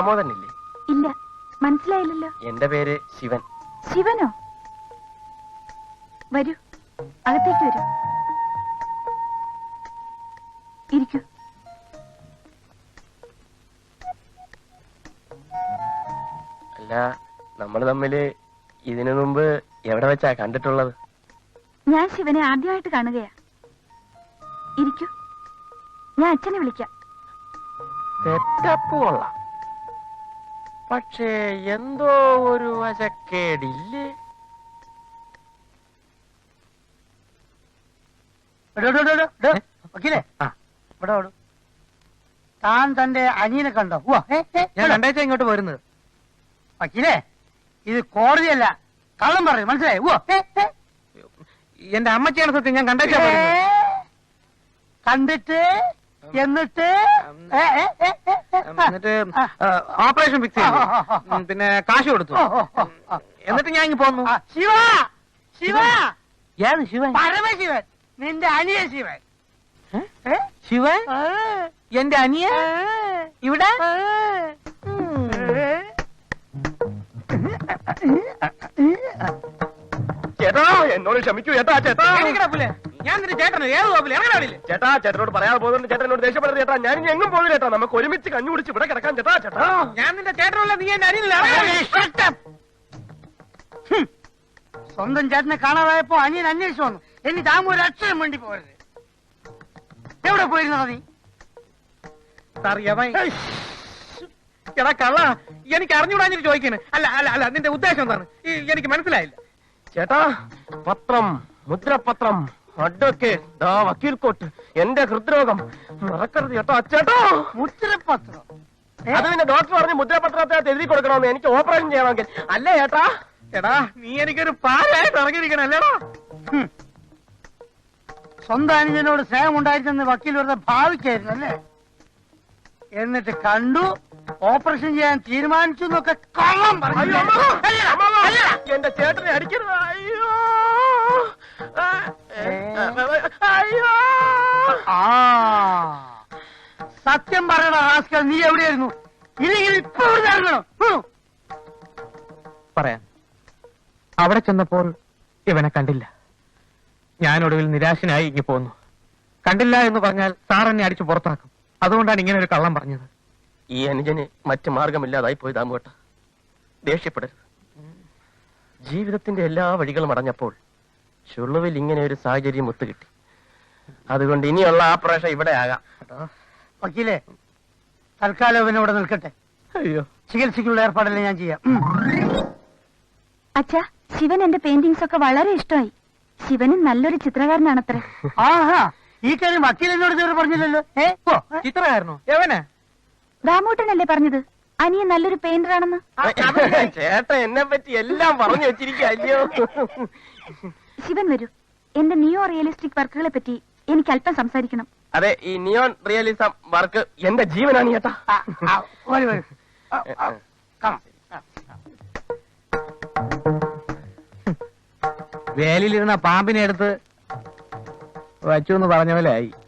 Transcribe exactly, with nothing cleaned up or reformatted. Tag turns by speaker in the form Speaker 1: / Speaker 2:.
Speaker 1: ദാമോദരനില്ലേ?
Speaker 2: ഇല്ല, മനസ്സിലായില്ലല്ലോ.
Speaker 1: എന്റെ പേര് ശിവൻ.
Speaker 2: ശിവനോ? വരൂ, അകത്തേക്ക് വരൂ, ഇരിക്കൂ.
Speaker 1: അല്ല, നമ്മൾ തമ്മില് ഇതിനു മുമ്പ് എവിടെ വെച്ചാ കണ്ടിട്ടുള്ളത്?
Speaker 2: ഞാൻ ശിവനെ ആദ്യമായിട്ട് കാണുകയാ. ഇരിക്കൂ, ഞാൻ അച്ഛനെ വിളിക്കാം.
Speaker 1: സെറ്റപ്പ് കൊള്ളാം, പക്ഷേ എന്തോ ഒരു വശക്കേടില്ലേ?
Speaker 3: വക്കീലേ, ഇവിടെ ഓടും. താൻ തന്റെ അനിയനെ കണ്ടോ?
Speaker 4: ഞാൻ രണ്ടാഴ്ച ഇങ്ങോട്ട് വരുന്നത്.
Speaker 3: വക്കീലേ, ഇത് കോടതിയല്ല, കള്ളം പറയും, മനസ്സിലായി?
Speaker 4: എന്റെ അമ്മച്ചിയാണ് സത്യം. ഞാൻ കണ്ടാഴ്ച
Speaker 3: കണ്ടിട്ട് എന്നിട്ട്
Speaker 4: എന്നിട്ട് ഓപ്പറേഷൻ ഫിക്സ് ചെയ്തു, പിന്നെ കാശ് കൊടുത്തു, എന്നിട്ട് ഞാൻ ഇങ്ങ് പോന്നു.
Speaker 3: ശിവ, ശിവ,
Speaker 4: ഏത് ശിവൻ?
Speaker 3: പരമശിവൻ, നിന്റെ അനിയ ശിവൻ.
Speaker 4: ശിവൻ? എന്റെ അനിയ ഇവിടെ?
Speaker 1: ചേട്ടാ, എന്നോട് ക്ഷമിക്കൂ ചേട്ടാ. ചേട്ടാ,
Speaker 4: ഞാൻ നിന്റെ ചേട്ടനോ? ഏത് കോപ്പില്? ഇറങ്ങാടില്ലേ?
Speaker 1: ചേട്ടാ, ചേട്ടനോട് പറയാതെ പോകുന്നുണ്ട്. ചേട്ടൻ എന്നോട് ദേഷ്യപ്പെടുന്നത് ചേട്ടാ. ഞാൻ ഇനി എങ്ങും പോകുന്നില്ല ചേട്ടാ. നമുക്ക് ഒരുമിച്ച് കഞ്ഞു കുടിച്ച് ഇവിടെ കിടക്കാൻ ചേട്ടാ. ചേട്ടാ,
Speaker 4: ഞാൻ നിന്റെ ചേട്ടനല്ല, നീ എന്റെ അനിയനല്ല.
Speaker 3: സ്വന്തം ചേട്ടനെ കാണാതായപ്പോ അനിയൻ അന്വേഷിച്ചു വന്നു. ഇനി താമ ഒരു അക്ഷരം വേണ്ടി പോകരുത്. എവിടെ പോയിരുന്നോ നീ?
Speaker 4: എടാ കള്ള, എനിക്ക് അറിഞ്ഞുകൂടാഞ്ഞിട്ട് ചോദിക്കാണ്. അല്ല അല്ല അല്ല നിന്റെ ഉദ്ദേശം എന്താണ്? എനിക്ക് മനസ്സിലായില്ല.
Speaker 1: ചേട്ടാ, പത്രം, മുദ്രപത്രം, അഡ്വക്കേറ്റ്, ദാ വക്കീൽ കോട്ട്, എന്റെ ഹൃദ്രോഗം മറക്കരുത് ചേട്ടാ. ചേട്ടാ,
Speaker 3: മുദ്രപത്രം?
Speaker 1: അത് പിന്നെ ഡോക്ടർ പറഞ്ഞ് മുദ്രപത്രത്തെ എഴുതി കൊടുക്കണമെന്ന്. എനിക്ക് ഓപ്പറേഷൻ ചെയ്യണമെങ്കിൽ. അല്ലേ ചേട്ടാ?
Speaker 4: എടാ, നീ എനിക്കൊരു പാലായിട്ട് ഇറങ്ങിയിരിക്കണം അല്ലേടാ?
Speaker 3: സ്വന്തം അനുജനോട് സ്നേഹം ഉണ്ടായിരുന്നെന്ന് വക്കീൽ വെറുതെ ഭാവിക്കായിരുന്നു അല്ലേ? എന്നിട്ട് കണ്ടു, ഓപ്പറേഷൻ ചെയ്യാൻ തീരുമാനിച്ചു എന്നൊക്കെ കള്ളം പറഞ്ഞു.
Speaker 1: എന്റെ ചേട്ടനെ അടിക്കരുത്. അയ്യോ അയ്യോ.
Speaker 3: ആ, സത്യം പറയണ റാസ്കൽ, നീ എവിടെയായിരുന്നു? ഇല്ലെങ്കിൽ ഇപ്പൊ ഇവിടെ ഇറങ്ങണം.
Speaker 4: പറയാം. അവിടെ ചെന്നപ്പോൾ ഇവനെ കണ്ടില്ല. ഞാനൊടുവിൽ നിരാശനായി ഇങ്ങി പോന്നു. കണ്ടില്ല എന്ന് പറഞ്ഞാൽ സാർ എന്നെ അടിച്ചു പുറത്താക്കും. അതുകൊണ്ടാണ് ഇങ്ങനെ ഒരു കള്ളം പറഞ്ഞത്.
Speaker 1: ഈ അനുജന് മറ്റു മാർഗമില്ലാതായി പോയി ദാമുവേട്ട. ദേഷ്യപ്പെടരുത്. ജീവിതത്തിന്റെ എല്ലാ വഴികളും അടഞ്ഞപ്പോൾ ചുളുവിൽ ഇങ്ങനെ ഒരു സാഹചര്യം ഒത്തുകിട്ടി. അതുകൊണ്ട് ഇനിയുള്ള ആപ്പറേഷൻ ഇവിടെ ആകാം.
Speaker 3: വക്കീലേ, തൽക്കാലം ഇവനോടെ നിൽക്കട്ടെ.
Speaker 1: അയ്യോ,
Speaker 3: ചികിത്സയ്ക്കുള്ള ഏർപ്പാടെല്ലാം ഞാൻ ചെയ്യാം.
Speaker 2: അച്ഛാ, ശിവൻ എന്റെ പെയിന്റിങ്സ് ഒക്കെ വളരെ ഇഷ്ടമായി. ശിവനും നല്ലൊരു ചിത്രകാരനാണത്രേ.
Speaker 3: ആഹാ, ഈ കാര്യം വക്കീൽ എന്നോട് ഇതുവരെ പറഞ്ഞില്ലല്ലോ. ഏ,
Speaker 4: ചിത്രകാരനോ? എവനെ?
Speaker 2: ദാമോട്ടനല്ലേ പറഞ്ഞത് അനിയൻ നല്ലൊരു പെയിന്റർ ആണെന്ന്?
Speaker 1: ചേട്ടൻ എന്നെ പറ്റി എല്ലാം പറഞ്ഞു വെച്ചിരിക്കല്ലോ.
Speaker 2: ശിവൻ വരൂ, എന്റെ നിയോ റിയലിസ്റ്റിക് വർക്കുകളെ പറ്റി എനിക്ക് അല്പം സംസാരിക്കണം.
Speaker 1: അതെ, ഈ നിയോൺ റിയലിസം വർക്ക് എന്റെ ജീവനാണ് ചേട്ടാ.
Speaker 3: വരൂ വരൂ, കാണാം.
Speaker 4: വേലിലിരുന്ന പാമ്പിനെ എടുത്ത് വച്ചു എന്ന് പറഞ്ഞ പോലെ ആയി.